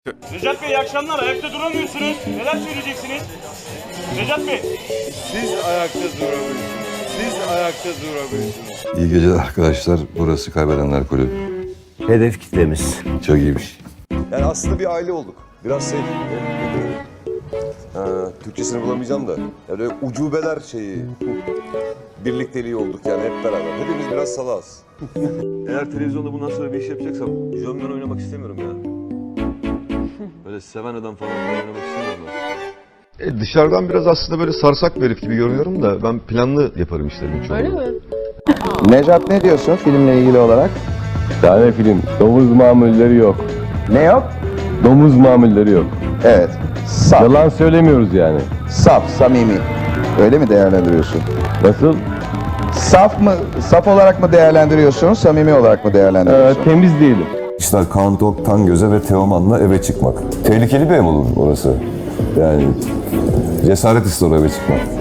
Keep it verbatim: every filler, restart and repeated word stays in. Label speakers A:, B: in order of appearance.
A: Necat Bey iyi akşamlar. Ayakta duramıyorsunuz. Neler söyleyeceksiniz? Necat Bey.
B: Siz ayakta durabilirsiniz. Siz ayakta durabilirsiniz.
C: İyi geceler arkadaşlar. Burası Kaybedenler Kulübü.
D: Hedef kitlemiz.
C: Çok iyiymiş.
E: Yani aslında bir aile olduk. Biraz şey... Ha, Türkçesini bulamayacağım da. Yani ucubeler şeyi... Birlikteliği olduk yani hep beraber. Hepimiz biraz salağız. Eğer televizyonda bundan sonra bir iş yapacaksam... Jönler oynamak istemiyorum ya. Böyle seven adam falan oynamak istemiyorum ben.
F: E, dışarıdan biraz aslında böyle sarsak bir herif gibi görünüyorum da ben planlı yaparım işlerimi çoğunu.
G: Öyle mi?
H: Necat ne diyorsun filmle ilgili olarak?
I: Tane film. Domuz mamulleri yok.
H: Ne yok?
I: Domuz mamulleri yok.
H: Evet. Saf.
I: Yalan söylemiyoruz yani.
H: Saf, samimi. Öyle mi değerlendiriyorsun?
I: Nasıl?
H: Saf mı, saf olarak mı değerlendiriyorsun, samimi olarak mı
I: Ee,
H: değerlendiriyorsun?
I: temiz değilim.
C: İşler Kaan Tok, Tangöze ve Teoman'la eve çıkmak. Tehlikeli bir ev olur orası. Yani cesaret ister o eve çıkmak.